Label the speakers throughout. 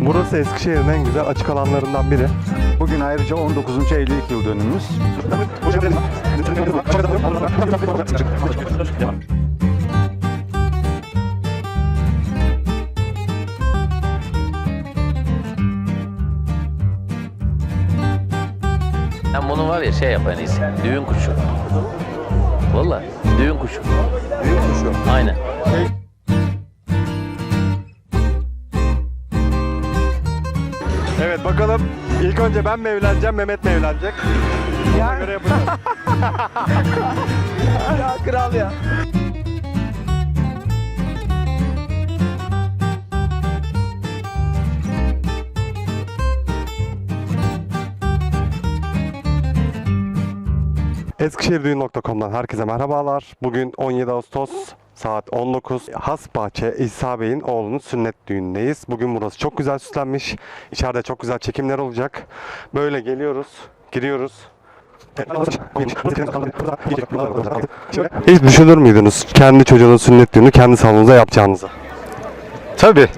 Speaker 1: Burası Eskişehir'in en güzel açık alanlarından biri.
Speaker 2: Bugün ayrıca 19. evlilik yıl dönümümüz.
Speaker 3: Ben bunu var ya şey yap en iyisi. Düğün kuşu. Vallahi düğün kuşu.
Speaker 1: Düğün kuşu.
Speaker 3: Aynen.
Speaker 1: Evet bakalım ilk önce ben mi evleneceğim, Mehmet mi evlenecek? Ona göre yapacağız.
Speaker 4: Ya kral ya.
Speaker 1: Eskişehirdüğün.com'dan herkese merhabalar. Bugün 17 Ağustos saat 19. Hasbahçe İsa Bey'in oğlunun sünnet düğünündeyiz. Bugün burası çok güzel süslenmiş. İçeride çok güzel çekimler olacak. Böyle geliyoruz, giriyoruz. Hiç düşünür müydünüz kendi çocuğunun sünnet düğünü kendi salonunuza yapacağınızı?
Speaker 2: Tabii.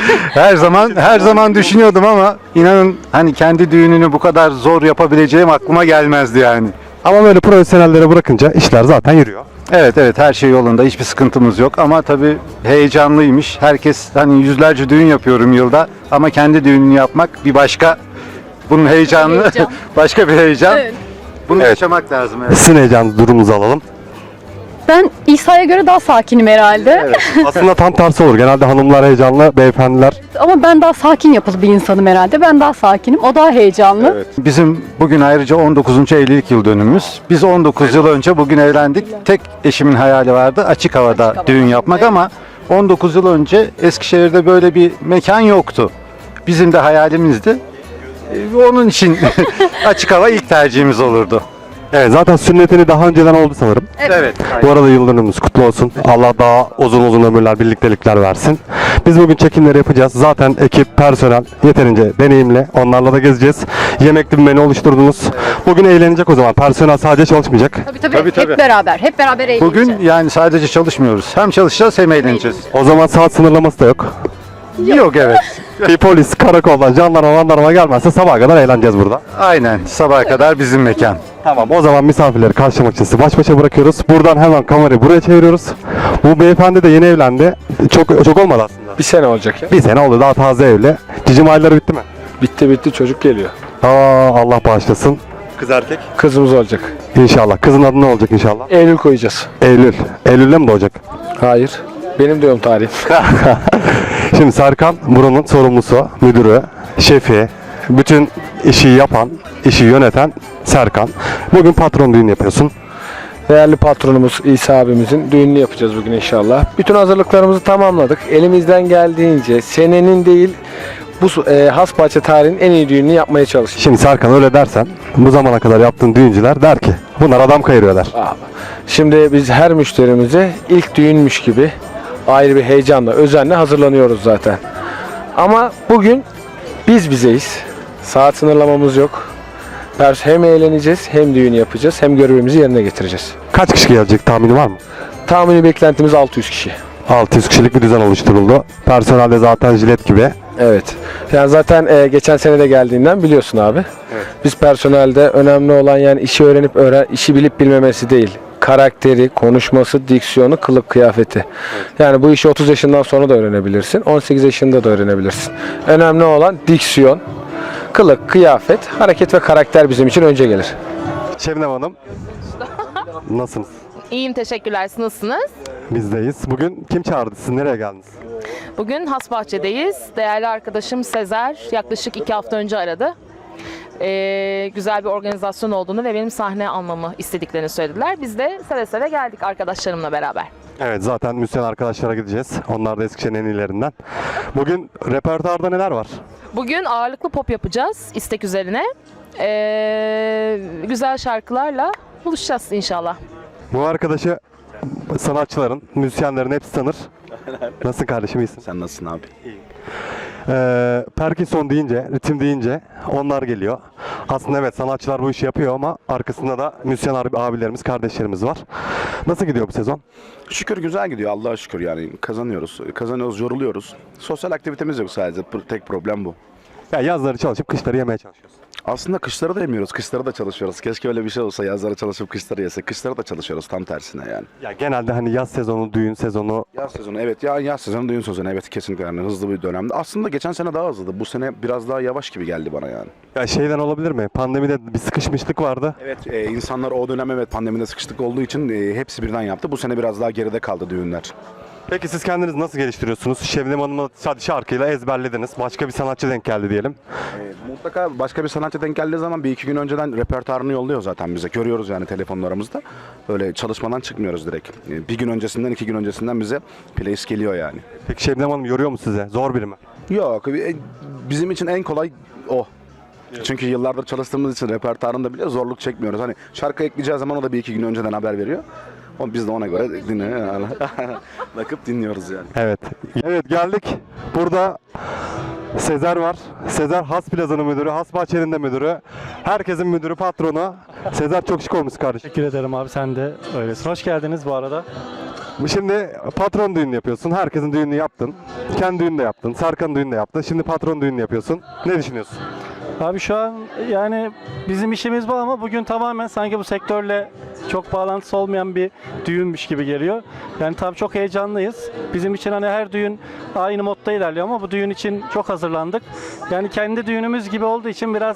Speaker 2: her zaman düşünüyordum ama inanın hani kendi düğününü bu kadar zor yapabileceğim aklıma gelmezdi yani.
Speaker 1: Ama böyle profesyonellere bırakınca işler zaten yürüyor.
Speaker 2: Evet her şey yolunda, hiçbir sıkıntımız yok ama tabii heyecanlıymış. Herkes hani yüzlerce düğün yapıyorum yılda ama kendi düğününü yapmak bir başka, bunun heyecanı
Speaker 5: Heyecan.
Speaker 2: başka bir heyecan.
Speaker 5: Evet.
Speaker 2: Bunu
Speaker 1: Evet.
Speaker 2: yaşamak lazım. Evet.
Speaker 1: Sizin heyecanınızı, durumunuzu alalım.
Speaker 5: Ben İsa'ya göre daha sakinim herhalde.
Speaker 1: Aslında tam tersi olur. Genelde hanımlar heyecanlı, beyefendiler.
Speaker 5: Ama ben daha sakin yapılı bir insanım herhalde. Ben daha sakinim. O daha heyecanlı.
Speaker 2: Evet. Bizim bugün ayrıca 19. evlilik yıl dönümümüz. Biz 19 yıl önce bugün evlendik. Tek eşimin hayali vardı açık havada düğün yapmak ama 19 yıl önce Eskişehir'de böyle bir mekan yoktu. Bizim de hayalimizdi. Onun için açık hava ilk tercihimiz olurdu.
Speaker 1: Evet, zaten sünnetini daha önceden oldu sanırım.
Speaker 2: Evet.
Speaker 1: Bu arada yıl dönümümüz kutlu olsun. Allah daha uzun ömürler, birliktelikler versin. Biz bugün çekimleri yapacağız. Zaten ekip, personel yeterince deneyimli. Onlarla da gezeceğiz. Yemekli bir menü oluşturdunuz. Bugün eğlenecek o zaman. Personel sadece çalışmayacak.
Speaker 5: Tabii. Hep beraber. Hep beraber eğleneceğiz.
Speaker 2: Bugün yani sadece çalışmıyoruz. Hem çalışacağız hem eğleneceğiz.
Speaker 1: O zaman saat sınırlaması da yok.
Speaker 2: Yok evet.
Speaker 1: Bir polis, karakoldan, jandarma gelmezse sabaha kadar eğleneceğiz burada.
Speaker 2: Aynen. Sabaha kadar bizim mekan.
Speaker 1: Tamam, o zaman misafirleri karşılamak için sizi baş başa bırakıyoruz. Buradan hemen kamerayı buraya çeviriyoruz. Bu beyefendi de yeni evlendi. Çok olmadı aslında.
Speaker 4: Bir sene olacak ya.
Speaker 1: Bir sene oldu, daha taze evli. Cicim ayları bitti mi?
Speaker 4: Bitti çocuk geliyor.
Speaker 1: Allah bağışlasın. Kız erkek?
Speaker 4: Kızımız olacak.
Speaker 1: İnşallah. Kızın adı ne olacak inşallah?
Speaker 4: Eylül koyacağız.
Speaker 1: Eylül. Eylül'de mi doğacak?
Speaker 4: Hayır. Benim diyorum tarih.
Speaker 1: Şimdi Serkan buranın sorumlusu, müdürü, şefi, bütün işi yapan, işi yöneten Serkan. Bugün patron düğünü yapıyorsun.
Speaker 4: Değerli patronumuz İsa abimizin düğününü yapacağız bugün inşallah. Bütün hazırlıklarımızı tamamladık. Elimizden geldiğince senenin değil bu Hasbahçe tarihinin en iyi düğününü yapmaya çalıştık.
Speaker 1: Şimdi Serkan öyle dersen bu zamana kadar yaptığın düğüncüler der ki bunlar adam kayırıyor der.
Speaker 4: Abi. Şimdi biz her müşterimize ilk düğünmüş gibi ayrı bir heyecanla, özenle hazırlanıyoruz zaten. Ama bugün biz bizeyiz. Saat sınırlamamız yok. Hem eğleneceğiz, hem düğün yapacağız, hem görevimizi yerine getireceğiz.
Speaker 1: Kaç kişi gelecek tahmini var mı?
Speaker 4: Tahmini beklentimiz 600 kişi.
Speaker 1: 600 kişilik bir düzen oluşturuldu. Personel de zaten jilet gibi.
Speaker 4: Evet. Yani zaten geçen sene de geldiğinden biliyorsun abi.
Speaker 1: Evet.
Speaker 4: Biz personelde önemli olan yani işi öğrenip işi bilip bilmemesi değil. Karakteri, konuşması, diksiyonu, kılık kıyafeti. Evet. Yani bu işi 30 yaşından sonra da öğrenebilirsin. 18 yaşında da öğrenebilirsin. Önemli olan diksiyon, kılık, kıyafet, hareket ve karakter bizim için önce gelir.
Speaker 1: Şebnem Hanım. Nasılsınız?
Speaker 6: İyiyim, teşekkürler. Siz nasılsınız?
Speaker 1: Bizdeyiz. Bugün kim çağırdı? Siz nereye geldiniz?
Speaker 6: Bugün Hasbahçe'deyiz. Değerli arkadaşım Sezer yaklaşık 2 hafta önce aradı. Güzel bir organizasyon olduğunu ve benim sahne almamı istediklerini söylediler. Biz de seve seve geldik arkadaşlarımla beraber.
Speaker 1: Evet, zaten müzisyen arkadaşlara gideceğiz. Onlar da Eskişehir'in en iyilerinden. Bugün repertuarda neler var?
Speaker 6: Bugün ağırlıklı pop yapacağız istek üzerine. Güzel şarkılarla buluşacağız inşallah.
Speaker 1: Bu arkadaşı sanatçıların, müzisyenlerin hepsi tanır. Nasılsın kardeşim, iyisin?
Speaker 7: Sen nasılsın abi?
Speaker 1: Parkinson deyince, ritim deyince onlar geliyor. Aslında evet, sanatçılar bu işi yapıyor ama arkasında da müzisyen abilerimiz, kardeşlerimiz var. Nasıl gidiyor bu sezon?
Speaker 7: Şükür güzel gidiyor, Allah'a şükür yani kazanıyoruz, yoruluyoruz. Sosyal aktivitemiz yok sadece, tek problem bu.
Speaker 1: Ya yazları çalışıp kışları yemeye çalışıyoruz.
Speaker 7: Aslında kışları da yemiyoruz, kışları da çalışıyoruz. Keşke öyle bir şey olsa, yazları çalışıp kışları yesek. Kışları da çalışıyoruz, tam tersine yani.
Speaker 1: Ya genelde hani yaz sezonu, düğün sezonu.
Speaker 7: Yaz sezonu evet, yaz sezonu, düğün sezonu evet, kesinlikle yani hızlı bir dönemde. Aslında geçen sene daha hızlıydı, bu sene biraz daha yavaş gibi geldi bana yani.
Speaker 1: Ya şeyden olabilir mi? Pandemide bir sıkışmışlık vardı.
Speaker 7: Evet, insanlar o dönem evet pandemide sıkıştık olduğu için hepsi birden yaptı. Bu sene biraz daha geride kaldı düğünler.
Speaker 1: Peki siz kendinizi nasıl geliştiriyorsunuz? Şebnem Hanım'ı sadece şarkıyla ezberlediniz. Başka bir sanatçı denk geldi diyelim.
Speaker 7: Mutlaka başka bir sanatçı denk geldiği zaman bir iki gün önceden repertuarını yolluyor zaten bize. Görüyoruz yani telefonlarımızda. Öyle çalışmadan çıkmıyoruz direkt. Bir gün öncesinden, 2 gün öncesinden bize playlist geliyor yani.
Speaker 1: Peki Şebnem Hanım yoruyor mu size? Zor biri mi?
Speaker 7: Yok, bizim için en kolay o. Çünkü yıllardır çalıştığımız için repertuarında bile zorluk çekmiyoruz. Hani şarkı ekleyeceği zaman o da bir iki gün önceden haber veriyor. Biz de ona göre bakıp dinliyoruz yani.
Speaker 1: Evet. Evet, geldik. Burada Sezer var. Sezer Has Plaza'nın müdürü, Has Bahçe'nin de müdürü. Herkesin müdürü, patronu. Sezer çok şık olmuş kardeşim.
Speaker 8: Teşekkür ederim abi, sen de öylesin. Hoş geldiniz bu arada.
Speaker 1: Şimdi patron düğünü yapıyorsun. Herkesin düğününü yaptın. Kendi düğünü de yaptın. Serkan düğünü de yaptın. Şimdi patron düğünü yapıyorsun. Ne düşünüyorsun?
Speaker 8: Abi şu an yani bizim işimiz bu ama bugün tamamen sanki bu sektörle çok bağlantısı olmayan bir düğünmüş gibi geliyor. Yani tabii çok heyecanlıyız. Bizim için hani her düğün aynı modda ilerliyor ama bu düğün için çok hazırlandık. Yani kendi düğünümüz gibi olduğu için biraz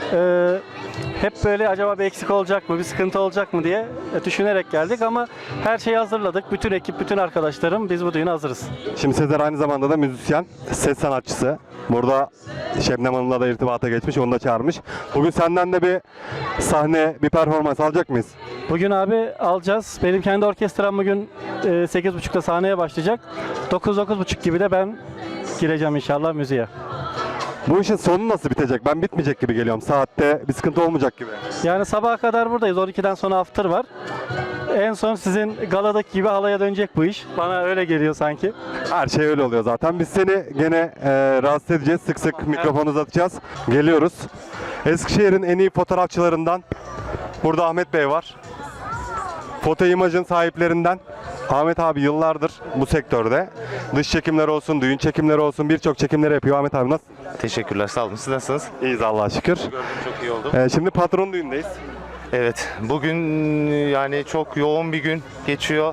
Speaker 8: hep böyle acaba bir eksik olacak mı, bir sıkıntı olacak mı diye düşünerek geldik ama her şeyi hazırladık. Bütün ekip, bütün arkadaşlarım biz bu düğüne hazırız.
Speaker 1: Şimdi Sezer aynı zamanda da müzisyen, ses sanatçısı. Burada Şebnem Hanım'la da irtibata geçmiş, onu da çağırmış. Bugün senden de bir sahne, bir performans alacak mıyız?
Speaker 8: Bugün abi alacağız. Benim kendi orkestram bugün 8.30'da sahneye başlayacak. 9-9.30 gibi de ben gireceğim inşallah müziğe.
Speaker 1: Bu işin sonu nasıl bitecek? Ben bitmeyecek gibi geliyorum. Saatte bir sıkıntı olmayacak gibi.
Speaker 8: Yani sabaha kadar buradayız. 12'den sonra after var. En son sizin galadaki gibi halaya dönecek bu iş. Bana öyle geliyor sanki.
Speaker 1: Her şey öyle oluyor zaten. Biz seni gene rahatsız edeceğiz. Sık sık mikrofonu uzatacağız. Geliyoruz. Eskişehir'in en iyi fotoğrafçılarından burada Ahmet Bey var. Foto imajın sahiplerinden. Ahmet abi yıllardır bu sektörde. Dış çekimler olsun, düğün çekimleri olsun, birçok çekimleri yapıyor. Ahmet abi nasıl?
Speaker 9: Teşekkürler, sağ olun. Siz nasılsınız?
Speaker 1: İyiyiz Allah'a şükür.
Speaker 9: Çok iyi oldu.
Speaker 1: Şimdi patron düğündeyiz.
Speaker 9: Evet, bugün yani çok yoğun bir gün geçiyor.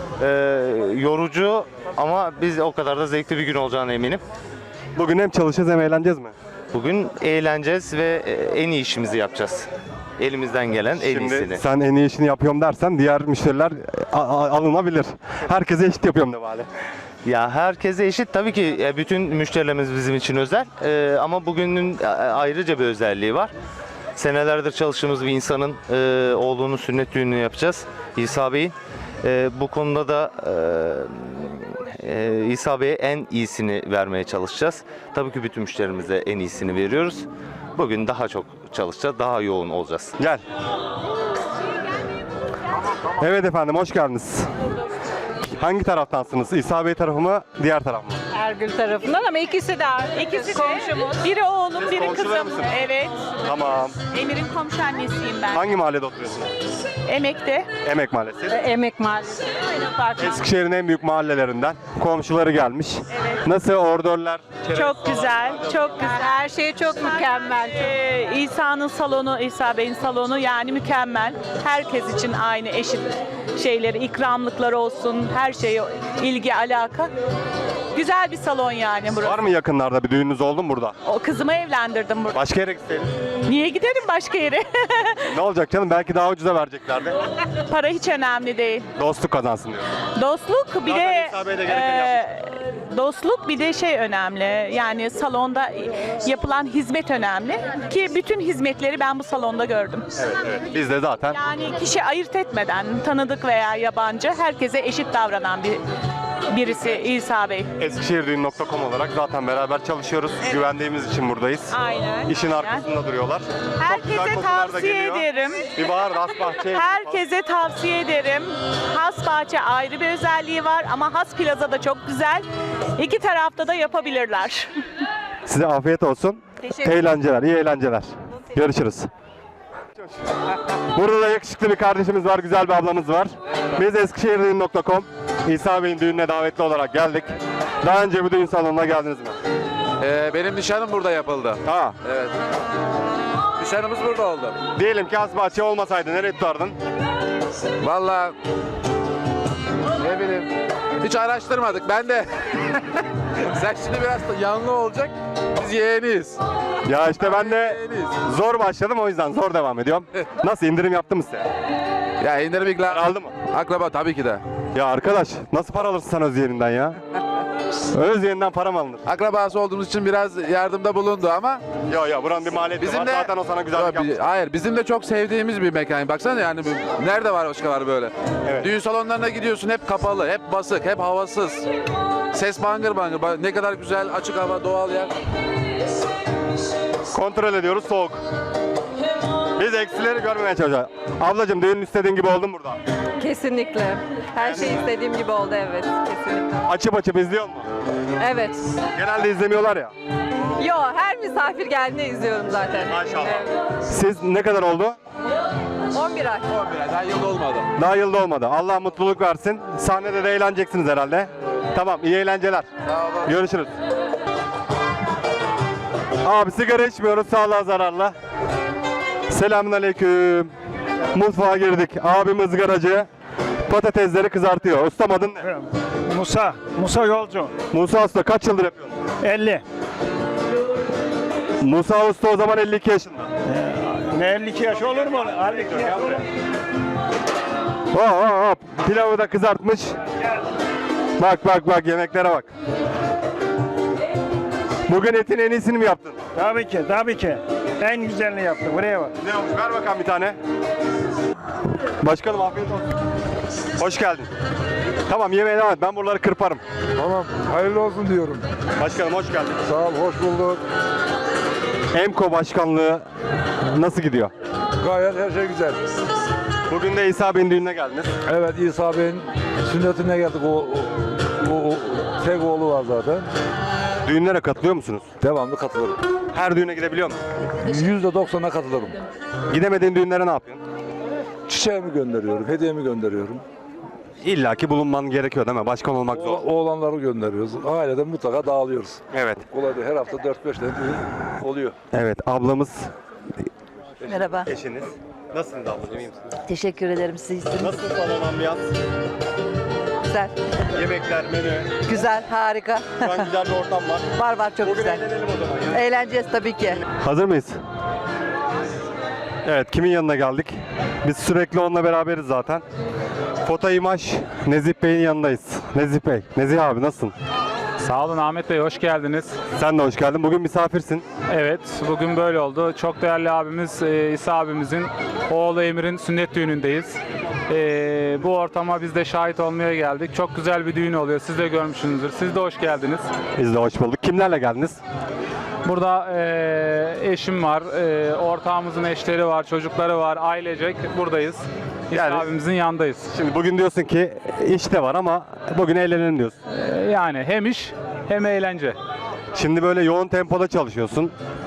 Speaker 9: Yorucu ama biz o kadar da zevkli bir gün olacağına eminim.
Speaker 1: Bugün hem çalışacağız hem eğleneceğiz mi?
Speaker 9: Bugün eğleneceğiz ve en iyi işimizi yapacağız. Elimizden gelen en
Speaker 1: Şimdi
Speaker 9: iyisini.
Speaker 1: sen en iyi işini yapıyorum dersen diğer müşteriler alınabilir. Herkese eşit yapıyorum de bari.
Speaker 9: Ya herkese eşit tabii ki, bütün müşterilerimiz bizim için özel. Ama bugünün ayrıca bir özelliği var. Senelerdir çalıştığımız bir insanın oğlunun sünnet düğününü yapacağız. İsa Bey'in. Bu konuda da İsa Bey'e en iyisini vermeye çalışacağız. Tabii ki bütün müşterimize en iyisini veriyoruz. Bugün daha çok çalışacağız, daha yoğun olacağız.
Speaker 1: Gel. Evet efendim, hoş geldiniz. Hangi taraftansınız? İsa Bey tarafı mı, diğer taraf mı?
Speaker 10: Ergül tarafından ama ikisi de komşumuz. Biri oğlum, biri
Speaker 1: komşular
Speaker 10: kızım.
Speaker 1: mısınız?
Speaker 10: Evet.
Speaker 1: Tamam.
Speaker 10: Emir'in komşu annesiyim ben.
Speaker 1: Hangi mahallede oturuyorsunuz?
Speaker 10: Emek'te.
Speaker 1: Emek Mahallesi.
Speaker 10: Emek Mahallesi. Aynen farklı.
Speaker 1: Eskişehir'in en büyük mahallelerinden. Komşuları gelmiş. Nasıl ordörler? çerez
Speaker 10: Çok
Speaker 1: falan?
Speaker 10: güzel, çok güzel. Her şey çok mükemmel. İsa'nın salonu, İsa Bey'in salonu yani mükemmel. Herkes için aynı eşit şeyleri, ikramlıklar olsun, her şeye ilgi, alaka. Güzel bir salon yani burası.
Speaker 1: Var mı yakınlarda bir düğününüz oldu mu burada?
Speaker 10: O kızımı evlendirdim burada.
Speaker 1: Başka yere gitseydin.
Speaker 10: Niye giderim başka yere?
Speaker 1: Ne olacak canım? Belki daha ucuza vereceklerdi.
Speaker 10: Para hiç önemli değil.
Speaker 1: Dostluk kazansın diyor.
Speaker 10: Dostluk bir
Speaker 1: Zaten
Speaker 10: de
Speaker 1: İsa Bey de gerekeni
Speaker 10: dostluk bir de şey önemli. Yani salonda yapılan hizmet önemli ki bütün hizmetleri ben bu salonda gördüm.
Speaker 1: Evet. Biz de zaten
Speaker 10: Yani kişi ayırt etmeden tanıdık veya yabancı herkese eşit davranan birisi İsa Bey.
Speaker 1: Eskişehirdüğün.com olarak zaten beraber çalışıyoruz. Güvendiğimiz için buradayız.
Speaker 10: Aynen.
Speaker 1: İşin arkasında duruyorlar. Çok güzel
Speaker 10: Herkese
Speaker 1: kokular da
Speaker 10: tavsiye
Speaker 1: geliyor.
Speaker 10: ederim.
Speaker 1: Bir bahar Has Bahçe.
Speaker 10: Herkese tavsiye ederim. Has Bahçe ayrı bir özelliği var ama Has Plaza da çok güzel. İki tarafta da yapabilirler.
Speaker 1: Size afiyet olsun.
Speaker 10: Teşekkür ederim.
Speaker 1: Eğlenceler, iyi eğlenceler. Görüşürüz. Burada da yakışıklı bir kardeşimiz var, güzel bir ablamız var. Biz eskişehirdüğün.com İsa Bey'in düğününe davetli olarak geldik. Daha önce bu düğün salonuna geldiniz mi?
Speaker 11: Benim nişanım burada yapıldı.
Speaker 1: Ha.
Speaker 11: Evet. Nişanımız burada oldu.
Speaker 1: Diyelim ki Hasbahçe olmasaydı nereye tutardın?
Speaker 11: Vallahi ne bileyim. Hiç araştırmadık. Ben de sen şimdi biraz da yanlı olacak. Biz yeğeniyiz.
Speaker 1: Ya işte ben de
Speaker 11: Yeğeniyiz.
Speaker 1: zor başladım, o yüzden zor devam ediyorum. Nasıl, indirim yaptı mı size?
Speaker 11: Ya indirim ikna
Speaker 1: Aldı mı?
Speaker 11: akraba tabii ki de.
Speaker 1: Ya arkadaş, nasıl para alırsın sen Özyeğin'den ya? Özyeğin'den para mı alınır?
Speaker 11: Akrabası olduğumuz için biraz yardımda bulundu ama
Speaker 1: Ya buranın bir maliyeti
Speaker 11: bizim
Speaker 1: var.
Speaker 11: de
Speaker 1: Zaten o sana güzellik yapmış.
Speaker 11: hayır, bizim de çok sevdiğimiz bir mekan. Baksana yani nerede var başkaları böyle?
Speaker 1: Evet.
Speaker 11: Düğün salonlarına gidiyorsun, hep kapalı, hep basık, hep havasız. Ses bangır bangır. Ne kadar güzel, açık hava, doğal yer.
Speaker 1: Kontrol ediyoruz, soğuk. Biz eksileri görmemeye çalışıyoruz. Ablacığım, düğün istediğin gibi oldu mu burada?
Speaker 12: Kesinlikle. Her şey istediğim gibi oldu, evet. Kesinlikle.
Speaker 1: Açıp izliyor mu?
Speaker 12: Evet.
Speaker 1: Genelde izlemiyorlar ya.
Speaker 12: Yo, her misafir geldiğinde izliyorum zaten.
Speaker 1: Maşallah.
Speaker 12: Evet.
Speaker 1: Siz ne kadar oldu?
Speaker 12: 11 ay.
Speaker 11: Daha yıl olmadı.
Speaker 1: Daha yılda olmadı. Allah mutluluk versin. Sahnede de eğleneceksiniz herhalde. Tamam, iyi eğlenceler.
Speaker 11: Sağ olun.
Speaker 1: Görüşürüz. Abi sigara içmiyoruz, sağlığa zararlı. Selamünaleyküm. Mutfağa girdik. Abim ızgaracı. Patatesleri kızartıyor. Ustam, adın ne?
Speaker 8: Musa Yolcu.
Speaker 1: Musa Usta, kaç yıldır yapıyorsun?
Speaker 8: 50.
Speaker 1: Musa Usta o zaman 52 yaşında.
Speaker 8: Ne 52 yaş olur mu? 52 yaş olur.
Speaker 1: Hop. Pilavı da kızartmış. Bak yemeklere bak. Bugün etin en iyisini mi yaptın?
Speaker 8: Tabii ki. En güzelini yaptı. Buraya bak.
Speaker 1: Ne olmuş? Ver bakalım bir tane. Başkanım, afiyet olsun. Hoş geldin. Tamam, yemeğe devam et. Ben buraları kırparım.
Speaker 13: Tamam, hayırlı olsun diyorum.
Speaker 1: Başkanım, hoş geldin.
Speaker 13: Sağ ol, hoş bulduk.
Speaker 1: EMKO başkanlığı nasıl gidiyor?
Speaker 13: Gayet her şey güzel.
Speaker 1: Bugün de İsa Bey'in düğününe geldiniz.
Speaker 13: Evet, İsa Bey'in sünnetine geldik. O tek oğlu var zaten.
Speaker 1: Düğünlere katılıyor musunuz?
Speaker 13: Devamlı katılırım.
Speaker 1: Her düğüne gidebiliyor musun?
Speaker 13: %90'a katılırım.
Speaker 1: Gidemediğin düğünlere ne yapıyorsun?
Speaker 13: Çiçeğimi gönderiyorum, hediyemi gönderiyorum.
Speaker 1: İlla ki bulunman gerekiyor değil mi? Başkan olmak zor.
Speaker 13: Oğlanları gönderiyoruz. Aileden mutlaka dağılıyoruz.
Speaker 1: Evet.
Speaker 13: Kolay değil. Her hafta 4-5 tane düğün oluyor.
Speaker 1: Evet, ablamız,
Speaker 12: Merhaba.
Speaker 1: eşiniz. Nasılsınız ablacığım, iyi misiniz?
Speaker 12: Teşekkür ederim siz.
Speaker 1: Nasıl salon ambiyans?
Speaker 12: Güzel.
Speaker 1: Yemekler, menü.
Speaker 12: Güzel, harika.
Speaker 1: Şu an güzel bir ortam var.
Speaker 12: Var çok
Speaker 1: Bugün eğlenelim o zaman ya.
Speaker 12: Eğleneceğiz tabii ki.
Speaker 1: Hazır mıyız? Evet, kimin yanına geldik? Biz sürekli onunla beraberiz zaten. Foto imaj Nezih Bey'in yanındayız. Nezih Bey, Nezih abi nasılsın?
Speaker 8: Sağ olun Ahmet Bey, hoş geldiniz.
Speaker 1: Sen de hoş geldin. Bugün misafirsin.
Speaker 8: Evet, bugün böyle oldu. Çok değerli abimiz İsa abimizin oğlu Emir'in sünnet düğünündeyiz. Bu ortama biz de şahit olmaya geldik. Çok güzel bir düğün oluyor. Siz de görmüşsünüzdür. Siz de hoş geldiniz.
Speaker 1: Biz de hoş bulduk. Kimlerle geldiniz?
Speaker 8: Burada eşim var, ortağımızın eşleri var, çocukları var, ailecek buradayız. İsa
Speaker 1: Yani-
Speaker 8: abimizin yanındayız.
Speaker 1: Şimdi bugün diyorsun ki iş de var ama bugün eğlenelim diyorsun.
Speaker 8: Yani hem iş hem eğlence.
Speaker 1: Şimdi böyle yoğun tempoda çalışıyorsun.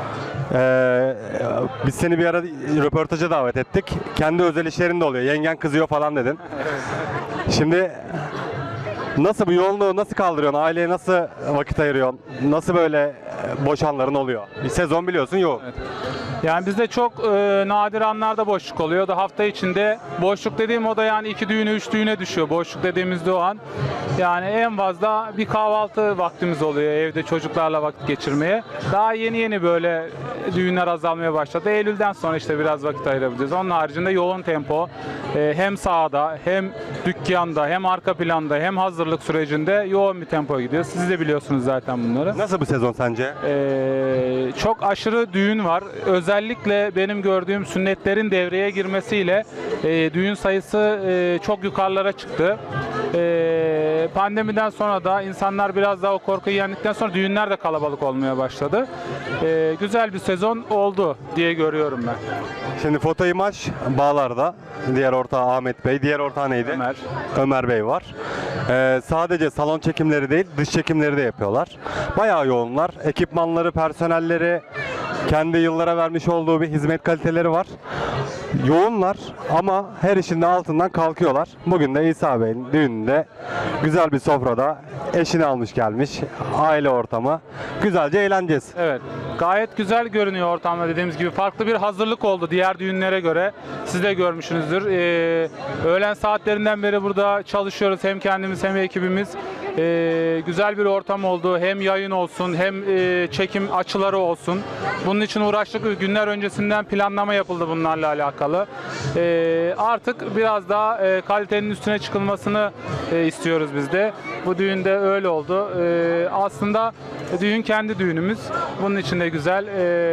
Speaker 1: Biz seni bir ara röportaja davet ettik. Kendi özel işlerin de oluyor. Yengen kızıyor falan dedin. Şimdi nasıl bu yoğunluğu nasıl kaldırıyorsun? Aileye nasıl vakit ayırıyorsun? Nasıl böyle boş anların oluyor? Bir sezon biliyorsun yoğun.
Speaker 8: Yani bizde çok nadir anlarda boşluk oluyor. Da hafta içinde boşluk dediğim o da yani 2 düğüne 3 düğüne düşüyor. Boşluk dediğimizde o an. Yani en fazla bir kahvaltı vaktimiz oluyor evde çocuklarla vakit geçirmeye. Daha yeni böyle düğünler azalmaya başladı. Eylül'den sonra işte biraz vakit ayırabiliriz. Onun haricinde yoğun tempo hem sahada hem dükkanda hem arka planda hem hazırlık sürecinde yoğun bir tempo gidiyor. Siz de biliyorsunuz zaten bunları.
Speaker 1: Nasıl bu sezon sence?
Speaker 8: Çok aşırı düğün var. Özellikle benim gördüğüm sünnetlerin devreye girmesiyle düğün sayısı çok yukarılara çıktı. Pandemiden sonra da insanlar biraz daha o korkuyu yendikten sonra düğünler de kalabalık olmaya başladı. Güzel bir sezon oldu diye görüyorum ben.
Speaker 1: Şimdi foto imaj Bağlar'da. Diğer ortağı Ahmet Bey. Diğer ortağı neydi?
Speaker 8: Ömer.
Speaker 1: Ömer Bey var. Sadece salon çekimleri değil, dış çekimleri de yapıyorlar. Bayağı yoğunlar. Ekipmanları, personelleri, Kendi yıllara vermiş olduğu bir hizmet kaliteleri var. Yoğunlar ama her işin de altından kalkıyorlar. Bugün de İsa Bey'in düğününde güzel bir sofrada eşini almış gelmiş. Aile ortamı. Güzelce eğleneceğiz.
Speaker 14: Evet. Gayet güzel görünüyor ortamda, dediğimiz gibi. Farklı bir hazırlık oldu diğer düğünlere göre. Siz de görmüşsünüzdür. Öğlen saatlerinden beri burada çalışıyoruz. Hem kendimiz hem ekibimiz. Güzel bir ortam oldu. Hem yayın olsun hem çekim açıları olsun. Bunun için uğraştık. Günler öncesinden planlama yapıldı bunlarla alakalı. Artık biraz daha kalitenin üstüne çıkılmasını istiyoruz biz de. Bu düğünde öyle oldu. Aslında düğün kendi düğünümüz. Bunun için de güzel.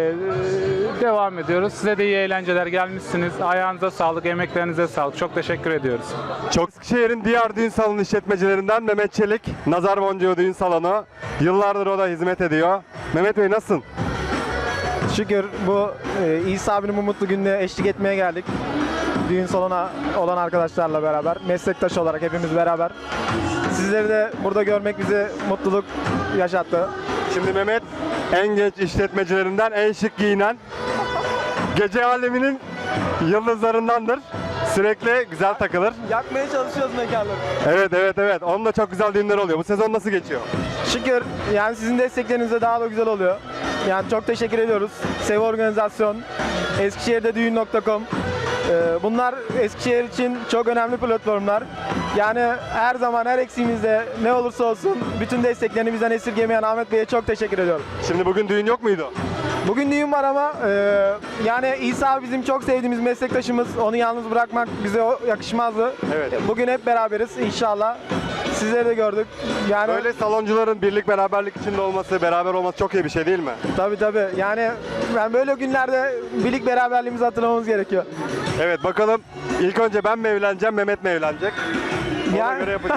Speaker 14: Devam ediyoruz. Size de iyi eğlenceler, gelmişsiniz. Ayağınıza sağlık, emeklerinize sağlık. Çok teşekkür ediyoruz.
Speaker 1: Eskişehir'in diğer düğün salonu işletmecilerinden Mehmet Çelik, Nazar Boncuğu Düğün Salonu. Yıllardır o da hizmet ediyor. Mehmet Bey nasılsın?
Speaker 15: Şükür bu İsa abinin bu mutlu gününe eşlik etmeye geldik. Düğün salona olan arkadaşlarla beraber, meslektaş olarak hepimiz beraber. Sizleri de burada görmek bize mutluluk yaşattı.
Speaker 1: Şimdi Mehmet en genç işletmecilerinden, en şık giyinen, gece aleminin yıldızlarındandır. Sürekli güzel takılır.
Speaker 15: Yakmaya çalışıyoruz mekanları.
Speaker 1: Evet. Onun da çok güzel düğünler oluyor. Bu sezon nasıl geçiyor?
Speaker 15: Şükür yani sizin desteklerinizle daha da güzel oluyor. Yani çok teşekkür ediyoruz. Sev Organizasyon, Eskişehir'de düğün.com. Bunlar Eskişehir için çok önemli platformlar. Yani her zaman her eksiğimizde ne olursa olsun bütün desteklerini bizden esirgemeyen Ahmet Bey'e çok teşekkür ediyorum.
Speaker 1: Şimdi bugün düğün yok muydu?
Speaker 15: Bugün düğün var ama yani İsa bizim çok sevdiğimiz meslektaşımız. Onu yalnız bırakmak bize yakışmazdı.
Speaker 1: Evet.
Speaker 15: Bugün hep beraberiz inşallah. Sizleri de gördük. Yani
Speaker 1: Böyle saloncuların birlik beraberlik içinde olması, beraber olması çok iyi bir şey değil mi?
Speaker 15: tabii. Yani ben böyle günlerde birlik beraberliğimizi hatırlamamız gerekiyor.
Speaker 1: Evet, bakalım ilk önce ben mi evleneceğim, Mehmet mi evlenecek? Ona göre yapacağız.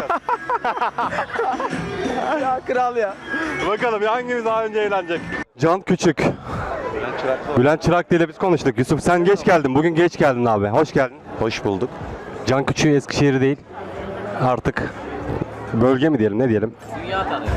Speaker 15: Ya kral ya.
Speaker 1: Bakalım hangimiz daha önce evlenecek? Can Küçük. Bülent Çıraklı ile biz konuştuk. Yusuf sen geç geldin. Bugün geç geldin abi. Hoş geldin.
Speaker 16: Hoş bulduk.
Speaker 1: Can Küçük Eskişehir değil. Artık bölge mi diyelim, ne diyelim?
Speaker 3: Dünya tanıyor.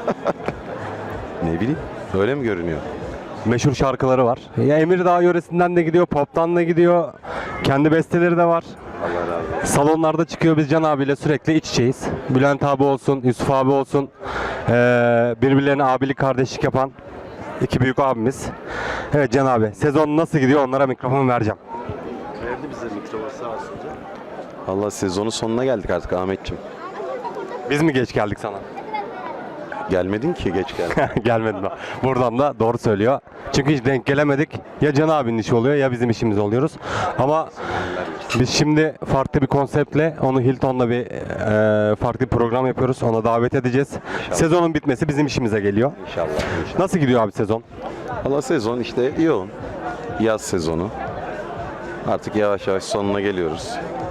Speaker 16: Ne bileyim, öyle mi görünüyor?
Speaker 1: Meşhur şarkıları var. Ya Emirdağ yöresinden de gidiyor, pop'tan da gidiyor. Kendi besteleri de var.
Speaker 16: Allah razı olsun.
Speaker 1: Salonlarda çıkıyor, biz Can abiyle sürekli iç içeyiz. Bülent abi olsun, Yusuf abi olsun. Birbirlerine abilik, kardeşlik yapan iki büyük abimiz. Evet Can abi, sezon nasıl gidiyor, onlara mikrofon vereceğim.
Speaker 16: Verdi bize mikrofonu sağ olsun. Allah, sezonun sonuna geldik artık Ahmetciğim.
Speaker 1: Biz mi geç geldik sana?
Speaker 16: Gelmedin ki, geç geldin.
Speaker 1: Gelmedim. Buradan da doğru söylüyor. Çünkü hiç denk gelemedik. Ya Can abinin işi oluyor ya bizim işimiz oluyoruz. Ama biz şimdi farklı bir konseptle onu Hilton'la bir farklı bir program yapıyoruz. Ona davet edeceğiz.
Speaker 16: İnşallah.
Speaker 1: Sezonun bitmesi bizim işimize geliyor.
Speaker 16: İnşallah.
Speaker 1: Nasıl gidiyor abi sezon?
Speaker 16: Allah, sezon işte yoğun. Yaz sezonu. Artık yavaş yavaş sonuna geliyoruz.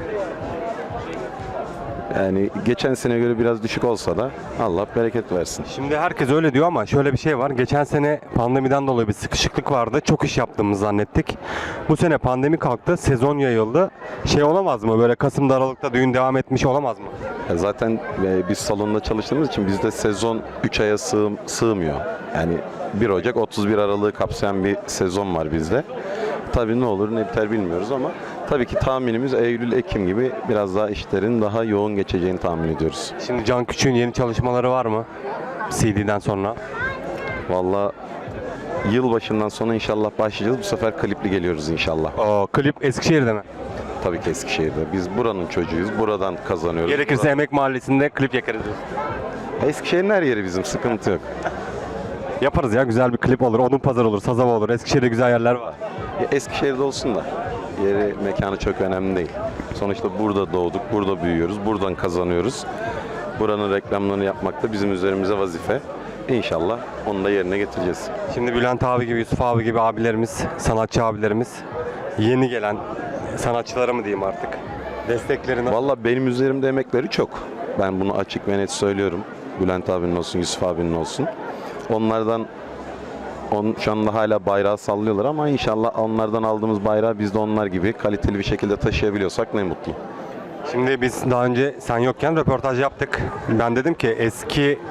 Speaker 16: Yani geçen sene göre biraz düşük olsa da Allah bereket versin.
Speaker 1: Şimdi herkes öyle diyor ama şöyle bir şey var. Geçen sene pandemiden dolayı bir sıkışıklık vardı. Çok iş yaptığımızı zannettik. Bu sene pandemi kalktı, sezon yayıldı. Şey olamaz mı? Böyle Kasım'da, Aralık'ta düğün devam etmiş olamaz mı?
Speaker 16: Zaten biz salonda çalıştığımız için bizde sezon 3 aya sığmıyor. Yani 1 Ocak 31 Aralık'ı kapsayan bir sezon var bizde. Tabii ne olur ne biter bilmiyoruz ama tabii ki tahminimiz Eylül-Ekim gibi biraz daha işlerin daha yoğun geçeceğini tahmin ediyoruz.
Speaker 1: Şimdi Can Küçük'ün yeni çalışmaları var mı? CD'den sonra.
Speaker 16: Vallahi yılbaşından sonra inşallah başlayacağız. Bu sefer klipli geliyoruz inşallah.
Speaker 1: O klip Eskişehir'de mi?
Speaker 16: Tabii ki Eskişehir'de. Biz buranın çocuğuyuz. Buradan kazanıyoruz.
Speaker 1: Gerekirse Emek Mahallesi'nde klip yakarız.
Speaker 16: Eskişehir'in her yeri bizim, sıkıntı yok.
Speaker 1: Yaparız ya, güzel bir klip olur. Odunpazarı olur, Sazava olur. Eskişehir'de güzel yerler var.
Speaker 16: Eskişehir'de olsun da yeri, mekanı çok önemli değil. Sonuçta burada doğduk, burada büyüyoruz, buradan kazanıyoruz. Buranın reklamlarını yapmak da bizim üzerimize vazife. İnşallah onu da yerine getireceğiz.
Speaker 1: Şimdi Bülent abi gibi, Yusuf abi gibi abilerimiz, sanatçı abilerimiz, yeni gelen sanatçılara mı diyeyim artık, desteklerini...
Speaker 16: Vallahi benim üzerimde emekleri çok. Ben bunu açık ve net söylüyorum. Bülent abinin olsun, Yusuf abinin olsun. Onlardan şu anda hala bayrağı sallıyorlar ama inşallah onlardan aldığımız bayrağı biz de onlar gibi kaliteli bir şekilde taşıyabiliyorsak ne mutlu.
Speaker 1: Şimdi biz daha önce sen yokken röportaj yaptık. Ben dedim ki eski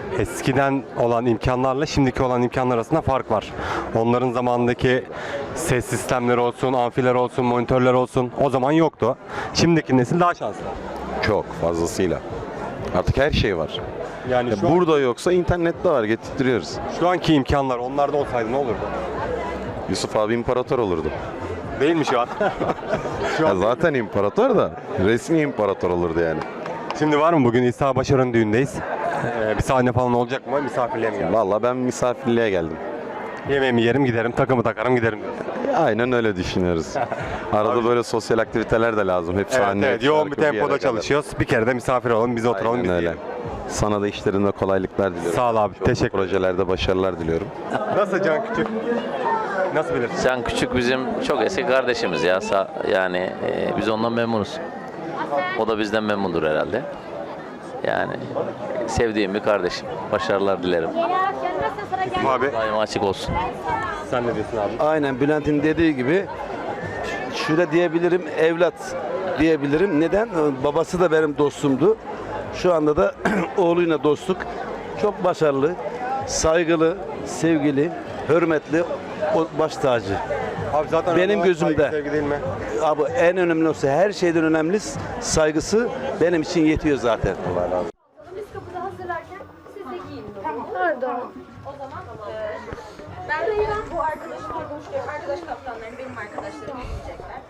Speaker 1: eskiden olan imkanlarla şimdiki olan imkanlar arasında fark var. Onların zamanındaki ses sistemleri olsun, amfiler olsun, monitörler olsun o zaman yoktu. Şimdiki nesil daha şanslı.
Speaker 16: Çok fazlasıyla. Artık her şey var.
Speaker 1: Yani şu,
Speaker 16: Burada yoksa internette var, getirtiyoruz.
Speaker 1: şu anki imkanlar onlarda olsaydı ne olurdu?
Speaker 16: Yusuf abi imparator olurdu.
Speaker 1: Değil mi şu an? Şu
Speaker 16: Ya
Speaker 1: an
Speaker 16: zaten imparator da resmi imparator olurdu yani.
Speaker 1: Şimdi var mı bugün İsa Başar'ın düğündeyiz? Bir sahne falan olacak mı? Misafirliğe mi geldin?
Speaker 16: Vallahi ben misafirliğe geldim.
Speaker 1: Yemeğimi yerim giderim, takımı takarım giderim diyorsun.
Speaker 16: Aynen öyle düşünüyoruz. Arada böyle sosyal aktiviteler de lazım. Hep
Speaker 1: Evet,
Speaker 16: sahne,
Speaker 1: evet, yoğun bir
Speaker 16: şarkı, yere
Speaker 1: tempoda
Speaker 16: kadar.
Speaker 1: çalışıyoruz. Bir kere de misafir olalım, biz oturalım,
Speaker 16: Aynen
Speaker 1: biz
Speaker 16: öyle.
Speaker 1: yiyelim.
Speaker 16: Sana da işlerinde kolaylıklar diliyorum.
Speaker 1: Sağ ol abi,
Speaker 16: Çok
Speaker 1: teşekkür ederim.
Speaker 16: projelerde başarılar diliyorum.
Speaker 1: Nasıl Can Küçük? Nasıl bilirsin?
Speaker 3: Can Küçük bizim çok eski kardeşimiz ya. Yani biz ondan memnunuz. O da bizden memnundur herhalde. Yani sevdiğim bir kardeşim. Başarılar dilerim.
Speaker 1: Abi
Speaker 3: Daima açık olsun.
Speaker 1: sen ne diyorsun abi?
Speaker 17: Aynen Bülent'in dediği gibi şöyle diyebilirim, evlat diyebilirim. Neden? Babası da benim dostumdu. Şu anda da oğluyla dostluk. Çok başarılı, saygılı, sevgili, hürmetli, o baş tacı.
Speaker 1: Abi zaten
Speaker 17: Benim gözümde.
Speaker 1: saygı, sevgi değil mi?
Speaker 17: Abi en önemlisi, her şeyden önemli saygısı benim için yetiyor zaten.
Speaker 12: Biz kapıda hazırlarken siz de giyinin. Tamam. Pardon. O zaman ben bu arkadaşım arkadaş kaptanlarım benim arkadaşlarım giyecekler.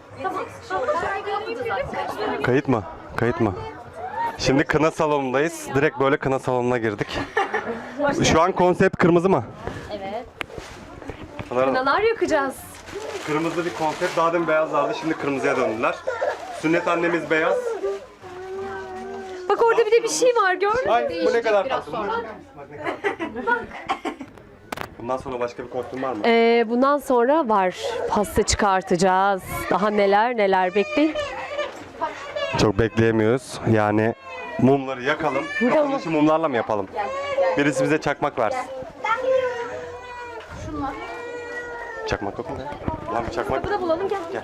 Speaker 12: Tamam.
Speaker 1: Kayıt mı? Kayıt mı? Şimdi kına salonundayız. Direkt böyle kına salonuna girdik. Şu an konsept kırmızı mı?
Speaker 12: Evet.
Speaker 1: Pınar'ın
Speaker 12: Kınalar yakacağız.
Speaker 1: kırmızı bir konsept. Daha demin beyazlardı. Şimdi kırmızıya döndüler. Sünnet annemiz beyaz.
Speaker 12: Bak orada bir de bir şey var gördün mü?
Speaker 1: Ay bu ne kadar tatlı. Bundan sonra başka bir kostüm var mı?
Speaker 12: Bundan sonra var. Pasta çıkartacağız. Daha neler neler bekleyin.
Speaker 1: Çok bekleyemiyoruz. Yani mumları yakalım. Kapanışı mumlarla mı yapalım? Birisi bize çakmak versin.
Speaker 12: Şunlar.
Speaker 1: Çakmak yok mu? Lan bir çakmak.
Speaker 12: Kapıda bulalım gel.
Speaker 1: Gel.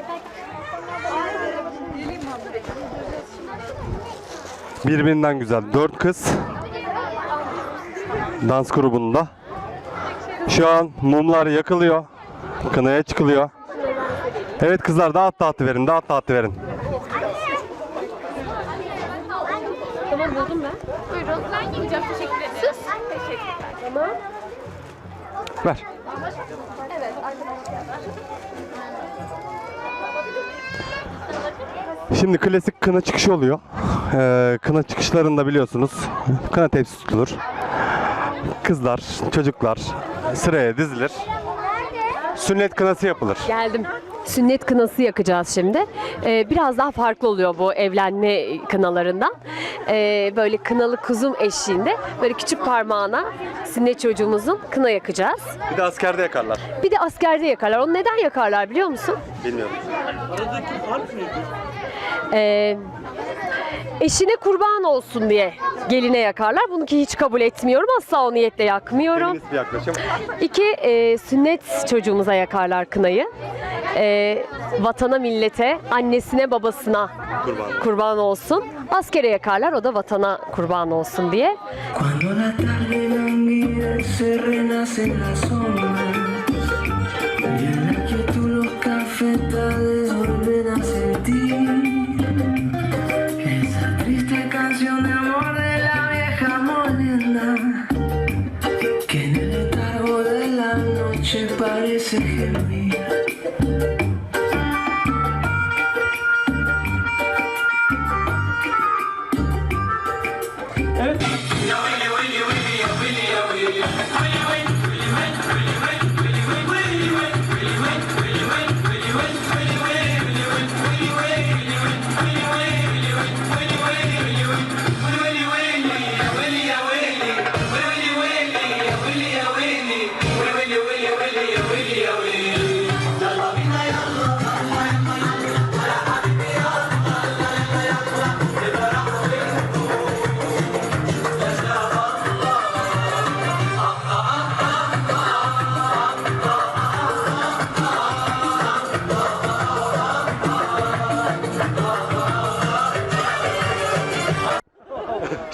Speaker 1: Birbirinden güzel 4 kız dans grubunda. Şu an mumlar yakılıyor. Kınaya çıkılıyor. Evet kızlar dağıt verin, dağıt verin.
Speaker 12: Tamam buldum ben. Buyurun. Ben gideceğim. Teşekkür ederim. Sus. Teşekkürler. Tamam.
Speaker 1: Ver.
Speaker 12: Evet arkadaşlar.
Speaker 1: Şimdi klasik kına çıkışı oluyor. Kına çıkışlarında biliyorsunuz kına tepsi tutulur. Kızlar, çocuklar sıraya dizilir. Sünnet kınası yapılır.
Speaker 12: Geldim. Sünnet kınası yakacağız şimdi. Biraz daha farklı oluyor bu evlenme kınalarından. Böyle kınalı kuzum eşliğinde böyle küçük parmağına sünnet çocuğumuzun kına yakacağız.
Speaker 1: Bir de askerde yakarlar.
Speaker 12: Bir de askerde yakarlar. Onu neden yakarlar biliyor musun?
Speaker 1: Bilmiyorum.
Speaker 12: Eşine kurban olsun diye geline yakarlar. Bunu ki hiç kabul etmiyorum. Asla o niyetle yakmıyorum.
Speaker 1: Feminist bir yaklaşım.
Speaker 12: 2. Sünnet çocuğumuza yakarlar kınayı. Vatana, millete, annesine, babasına kurban olsun. Askere yakarlar. O da vatana kurban olsun diye.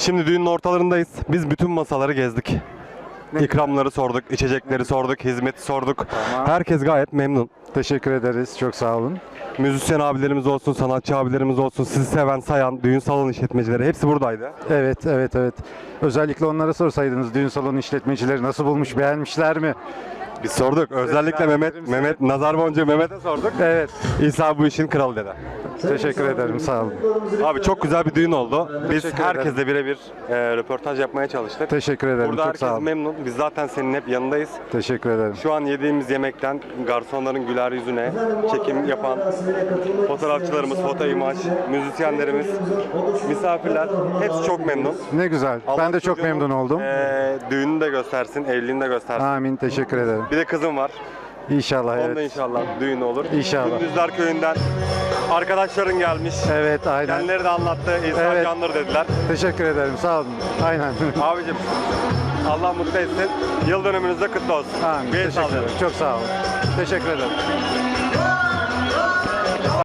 Speaker 1: Şimdi düğünün ortalarındayız. Biz bütün masaları gezdik. İkramları sorduk, içecekleri sorduk, hizmeti sorduk. Herkes gayet memnun.
Speaker 2: Teşekkür ederiz. Çok sağ olun.
Speaker 1: Müzisyen abilerimiz olsun, sanatçı abilerimiz olsun, sizi seven, sayan, düğün salon işletmecileri hepsi buradaydı.
Speaker 2: Evet, evet, evet. Özellikle onlara sorsaydınız düğün salonu işletmecileri nasıl bulmuş, beğenmişler mi?
Speaker 1: Biz sorduk. Özellikle Mehmet Nazar Boncuğu Mehmet'e sorduk.
Speaker 2: Evet.
Speaker 1: İsa bu işin kralı dedi.
Speaker 2: Teşekkür ederim. Sağ olun.
Speaker 1: Abi çok güzel bir düğün oldu. Biz
Speaker 2: Teşekkür
Speaker 1: herkesle birebir röportaj yapmaya çalıştık.
Speaker 2: Teşekkür ederim.
Speaker 1: Burada
Speaker 2: Çok sağ
Speaker 1: herkes
Speaker 2: olun.
Speaker 1: memnun. Biz zaten senin hep yanındayız.
Speaker 2: Teşekkür ederim.
Speaker 1: Şu an yediğimiz yemekten garsonların güler yüzüne, çekim yapan fotoğrafçılarımız, foto imaj, müzisyenlerimiz, misafirler hepsi çok memnun.
Speaker 2: Ne güzel.
Speaker 1: Allah
Speaker 2: Ben de çok
Speaker 1: çocuğunun,
Speaker 2: memnun oldum.
Speaker 1: Düğününü de göstersin, evliliğini de göstersin.
Speaker 2: Amin. Teşekkür ederim.
Speaker 1: Bir de kızım var.
Speaker 2: İnşallah.
Speaker 1: Onun da
Speaker 2: Evet.
Speaker 1: inşallah düğünü olur.
Speaker 2: İnşallah.
Speaker 1: Gündüzler Köyü'nden arkadaşların gelmiş.
Speaker 2: Evet, aynen.
Speaker 1: Kendileri de anlattı. İnsan
Speaker 2: Evet.
Speaker 1: candır dediler.
Speaker 2: Teşekkür ederim. Sağ olun. Aynen.
Speaker 1: Abicim Allah mutlu etsin. Yıl dönümünüz de kutlu olsun.
Speaker 2: Amin.
Speaker 1: Bir el
Speaker 2: Teşekkür
Speaker 1: sallayalım.
Speaker 2: ederim. Çok sağ olun. Teşekkür ederim.